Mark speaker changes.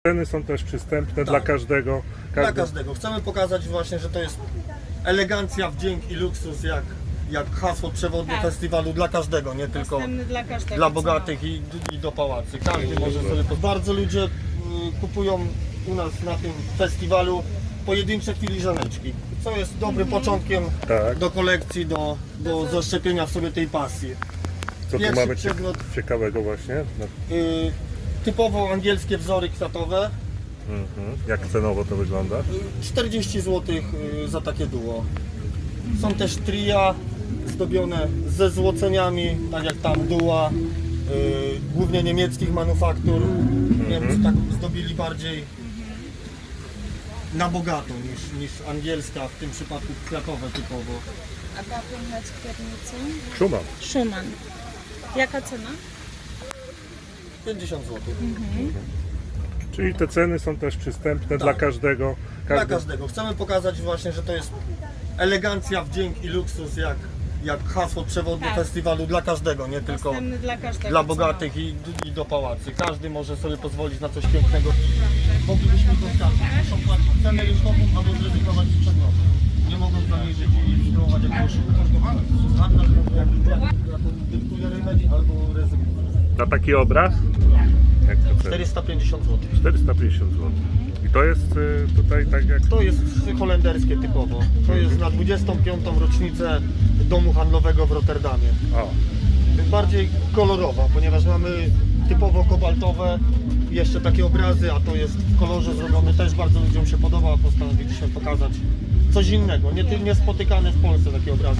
Speaker 1: Ceny są też przystępne
Speaker 2: Tak.
Speaker 1: dla każdego.
Speaker 2: Dla każdego. Chcemy pokazać właśnie, że to jest elegancja, wdzięk i luksus, jak hasło przewodnie
Speaker 3: Tak.
Speaker 2: festiwalu dla każdego, nie tylko
Speaker 3: Dostępny dla każdego.
Speaker 2: dla bogatych i do pałacy. Każdy może sobie. Bardzo ludzie kupują u nas na tym festiwalu pojedyncze filiżaneczki, co jest dobrym początkiem
Speaker 1: Tak.
Speaker 2: do kolekcji, do zaszczepienia w sobie tej pasji.
Speaker 1: Co tu
Speaker 2: Pierwszy
Speaker 1: mamy
Speaker 2: przedmiot.
Speaker 1: ciekawego właśnie?
Speaker 2: Typowo angielskie wzory kwiatowe,
Speaker 1: Jak cenowo to wygląda?
Speaker 2: 40 zł za takie duo. Są też tria zdobione ze złoceniami, tak jak tam duła, głównie niemieckich manufaktur. Niemcy tak zdobili bardziej na bogato niż angielska, w tym przypadku kwiatowe typowo.
Speaker 3: A ta piękna skiernica?
Speaker 1: Schumann.
Speaker 3: Schumann. Jaka cena?
Speaker 2: 50 zł.
Speaker 1: Czyli te ceny są też przystępne dla każdego.
Speaker 2: Dla każdego. Chcemy pokazać właśnie, że to jest elegancja, wdzięk i luksus, jak hasło przewodnie
Speaker 3: Tak.
Speaker 2: festiwalu dla każdego, nie tylko
Speaker 3: Dostępny dla każdego.
Speaker 2: dla bogatych i do pałacy. Każdy może sobie pozwolić na coś pięknego. Moglibyśmy to skarżyć. Muszą płacić cenę rynkową albo zrezygnować z przedmiotu. Nie mogą zaniżyć i spróbować jakiegoś standard, jaką dyktuje rynek, albo rezygnować.
Speaker 1: Na taki obraz? Jak to cena?
Speaker 2: 450 zł.
Speaker 1: 450 zł. I to jest tutaj tak jak...
Speaker 2: To jest holenderskie typowo. To jest na 25. rocznicę domu handlowego w Rotterdamie.
Speaker 1: O,
Speaker 2: Bardziej kolorowa, ponieważ mamy typowo kobaltowe, jeszcze takie obrazy, a to jest w kolorze zrobione, też bardzo ludziom się podoba, postanowiliśmy pokazać coś innego, niespotykane w Polsce takie obrazy.